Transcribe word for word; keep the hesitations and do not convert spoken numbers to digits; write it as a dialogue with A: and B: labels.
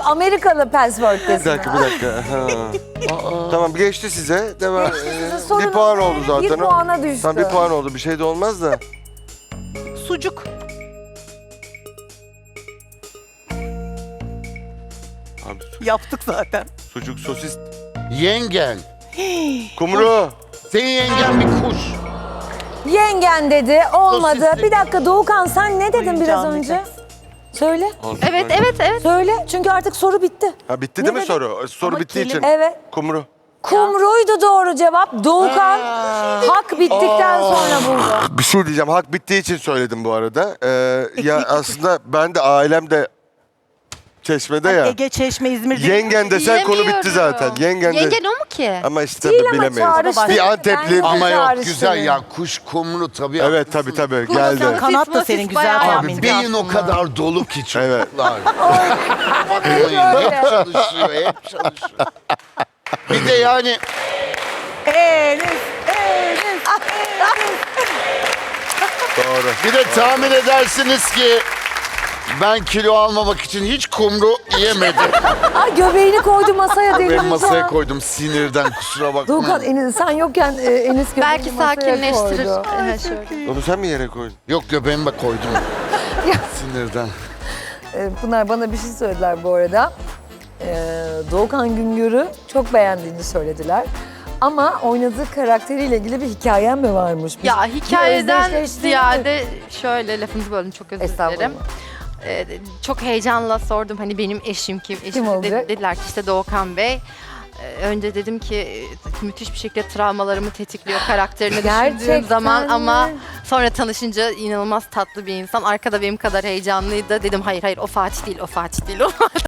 A: Amerikalı password
B: Bir
A: desin.
B: dakika bir dakika. Ha. Tamam geçti size. Devam.
A: Geçti size,
B: Ee,
A: sorun
B: bir puan
A: oldu.
B: oldu zaten.
A: Bir puana düştü.
B: Tamam bir puan oldu. Bir şey de olmaz da.
C: Sucuk.
B: Abi, su-
C: Yaptık zaten.
B: sucuk, sosis,
D: Yengen.
B: kumru.
D: Senin yengen bir kuş.
A: Yengen dedi, olmadı.
D: Sosisli.
A: Bir dakika Doğukan sen ne dedin biraz
C: Oyuncağını
A: önce?
C: yiyeceksin.
A: Söyle.
E: Evet, evet, evet.
A: Söyle. Çünkü artık soru bitti.
B: Ha bitti
A: Ne
B: değil mi
A: dedin?
B: soru? Soru
C: Ama
B: bittiği için.
C: kelime-
A: Evet.
B: Kumru.
A: Kumruydu doğru cevap. Doğukan hak bittikten sonra buldu.
B: Bir şey diyeceğim. Hak bittiği için söyledim bu arada. Ee, ya aslında ben de ailem de Çeşme'de ya.
C: Ege, Çeşme, İzmir değil.
B: Yengen desen konu bitti
E: Yiyemiyorum.
B: zaten. Yengen de.
E: Yengen o mu ki?
B: Ama işte
A: Değil ama
B: bilemeyiz.
A: çağrıştı.
B: Bir Antepli.
A: Ben-
D: Ama yok
A: Çağrıştırıyor.
D: güzel ya kuş kumru tabii.
B: Evet
D: haklısın.
B: tabii tabii
E: Kumru
B: geldi.
E: sana-
C: Kanat da
E: Sosis,
C: senin
E: sosis
C: güzel
E: bayağı
C: tahmin.
D: Abi beyin o kadar dolu ki
B: Evet.
D: çocuklar. Bakmayın hep çalışıyor hep çalışıyor. Bir de yani
C: Enes, Enes.
B: Doğru.
D: bir de tahmin edersiniz ki ben kilo almamak için hiç kumru yemedim.
A: Ay göbeğini koydu masaya dedi.
D: Ben masaya koydum sinirden kusura
A: Doğukan
D: bakmayın.
A: Enis, sen yokken e, Enis göbeğini
E: Belki
A: masaya
E: sakinleştirir.
A: koydu.
E: Evet, şöyle.
B: Onu sen mi yere koydun?
D: Yok göbeğime koydum. Sinirden.
A: E, Pınar bana bir şey söylediler bu arada. E, Doğukan Güngör'ü çok beğendiğini söylediler. Ama oynadığı karakteriyle ilgili bir hikayen mi varmış? Bir-
E: Ya
A: bir
E: hikayeden
A: özdeşleştiğini-
E: ziyade şöyle lafınızı böldüm çok özür
A: Estağfurullah.
E: dilerim. Ee, çok heyecanla sordum hani benim eşim kim? Eşim
A: Kim
E: de-
A: olacak?
E: dediler ki işte Doğukan Bey. Ee, önce dedim ki e, müthiş bir şekilde travmalarımı tetikliyor karakterini
A: Gerçekten
E: düşündüğüm zaman
A: mi?
E: ama sonra tanışınca inanılmaz tatlı bir insan. Arkada benim kadar heyecanlıydı. Dedim hayır hayır o Fatih değil o Fatih değil o Fatih.